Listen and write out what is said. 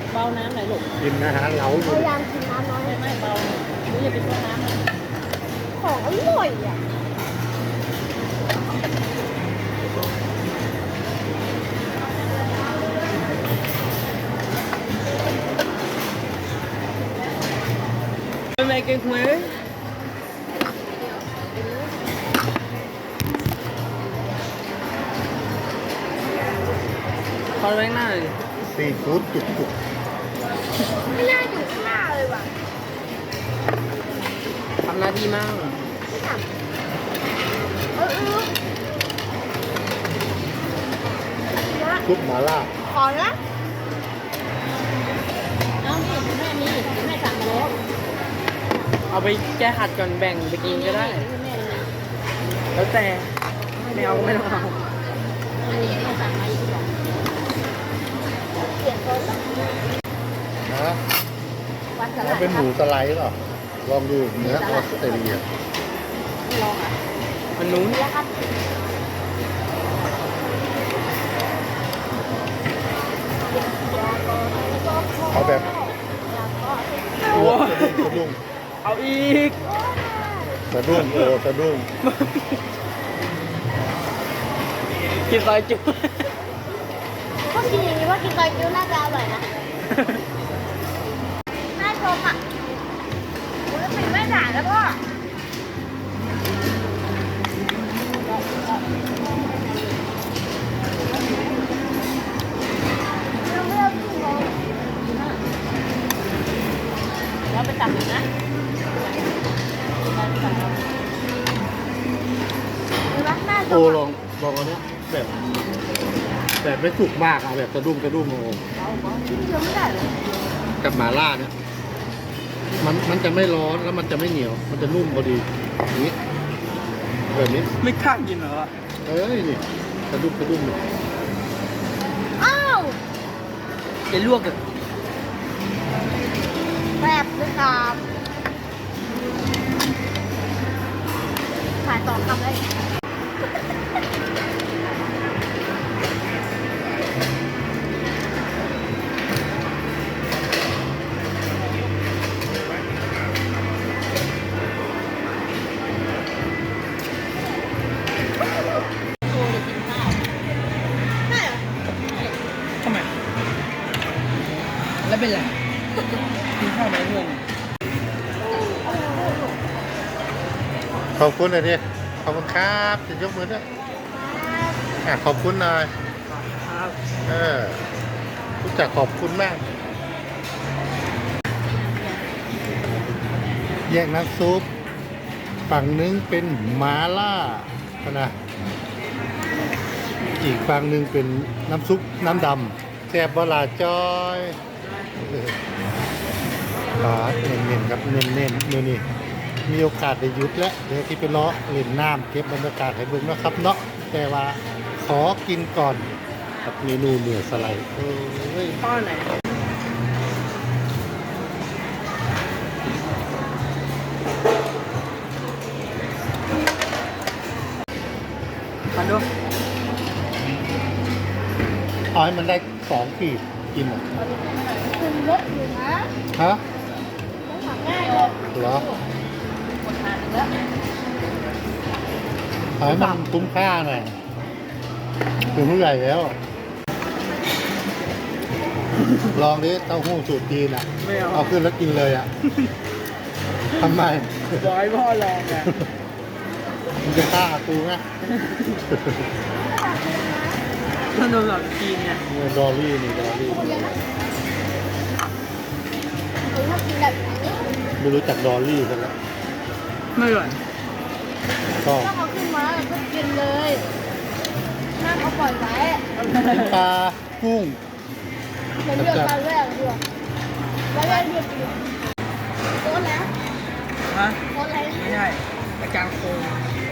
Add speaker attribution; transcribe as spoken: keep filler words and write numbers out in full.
Speaker 1: เบาน้ำหน่อยลูก
Speaker 2: กินอาหารเหลาอ
Speaker 3: พ
Speaker 2: ยู่
Speaker 3: ยายามกินน้ำน้อย
Speaker 1: ไม่ไม่เบาหรืออย่าไปต้นน้ำนะ
Speaker 3: ของอร่อยอ่ะ
Speaker 1: ไม่กินหวยขอแรงหน้าเลย
Speaker 2: ซีฟู้ดจุกจุก
Speaker 3: ไม่น่าอยู่ข้างหน้าเลยว่ะ
Speaker 1: ทำหน้าที่มาก
Speaker 3: ไม่ทำเออเออนะ
Speaker 2: ซุปหม่าล่า
Speaker 3: ขอนะ
Speaker 1: เอานี่แม่มีแม่สั่งมาแล้วเอาไปแก้ขัดก่อนแบ่งไปกินก็ได้
Speaker 3: แม่มี
Speaker 1: แล้วแต่ไม่เอาไม่ต้องเอา
Speaker 3: แม่สั่งมาอีกหรอเปลี่ยนคนละ
Speaker 2: นะ
Speaker 3: วันส
Speaker 2: แล้ว
Speaker 3: ลัด
Speaker 2: เป็นหมูสไลด์หรอลองดูเนื้อออสเตรเลีย
Speaker 3: ลองอ่ะ
Speaker 1: มันนู้น
Speaker 3: แล้วครับ
Speaker 2: เอาแบบ
Speaker 3: แล้วก็
Speaker 2: อ้วนสะดุ้ง
Speaker 1: เอาอีก
Speaker 2: สะดุ้งโอ้สะดุ้ง
Speaker 1: กินซอยจุ๊บ
Speaker 3: ก็กินอย่างนี้ว่ากินซอยจุ๊น่าจะอร่อยนะน่าชมอ่ะมันก็เป็นแม่ด่าแล้วพ่อเราไม่เอาถุงเลย
Speaker 1: แล้วไปตักอีกนะ
Speaker 3: เห็นไหมน่าช
Speaker 2: โอ้
Speaker 3: ม
Speaker 2: ลองลองอันเนี้ยแบบแบบไม่สุกมากเอาแบบสะดุ้งสะดุ้งโอ้
Speaker 3: กินเยอะไม่ได้เลย
Speaker 2: กับหม่าล่าเนี่ยมันมันจะไม่ร้อนแล้วมันจะไม่เหนียว มันจะนุ่มพอดีอย่างนี้แบบนี้
Speaker 1: ไม่กล้ากินเหรอ
Speaker 2: เอ้ยนี่สะดุ้งสะดุ้ง
Speaker 3: อ้าว
Speaker 1: จะลวกกับ
Speaker 3: แบบเลยครับขายสองคำเลย
Speaker 1: โอ้จะกินข้าว
Speaker 3: ใช่เหรอ
Speaker 1: ทำไมแล้วเป็นไรกินข้าวไหมงง
Speaker 2: ขอบคุณหน่อยดิขอบคุณครับจะยกมือด้วยอ่ะขอบคุณหน่อย
Speaker 1: ครับ
Speaker 2: เออรู้จักขอบคุณมาก แยกน้ำซุปฝั่งนึงเป็นหมาล่านะอีกฝั่งหนึ่งเป็นน้ำซุปน้ำดำแซ่บบลาจอยเออปาดเน้นๆครับเน้นๆมือนี่มีโอกาสได้หยุดแล้วเดี๋ยวที่ไปเลาะเล่นน้ำเก็บบรรยากาศให้เบิ่งเนาะครับเนาะแต่ว่าขอกินก่อนกับเมนูเนื้อสไลด์เอ้ย
Speaker 1: ป้อนไหนมาดู
Speaker 2: เอาให้มันได้สองขีดกินอ่ะ
Speaker 3: คุณรถอยู่นะ
Speaker 2: ฮะ
Speaker 3: ต้องทำง่ายเลย
Speaker 2: เหรอ
Speaker 1: หมดทานแล้ว
Speaker 2: เอาให้มันคุ้มค่าหน่อยถึงผู้ใหญ่แล้ว ลองดิเต้าหู้สูตรจีนอ่ะ
Speaker 1: ไม่เอา
Speaker 2: เอาขึ้นแล้วกินเลยอ่ะ ทำไม
Speaker 1: บอกให้พ่อลองไง
Speaker 2: มันจะฆ่ากูไง
Speaker 1: ขนมหลับจีนไง
Speaker 2: เนี่ยดอลลี่นี่ดอลลี่
Speaker 3: ผมชอบกินแบบนี้
Speaker 2: ไม่รู้จักดอลลี่กันแล้ว
Speaker 1: ไม่อร่อย
Speaker 2: ก็
Speaker 3: ต้องเอาขึ้นมาแล้วก็กินเลยห้ามเอาปล่อยไว้
Speaker 2: กินปลากุ้ง
Speaker 3: เหมือนเดือดปลาแรกเดือดปลาแรกเดือดเดือดโต๊ะแล้ว
Speaker 1: ฮะ
Speaker 3: โต๊ะอะไร
Speaker 1: ไม่ใช่อาจารย์โคง
Speaker 3: โ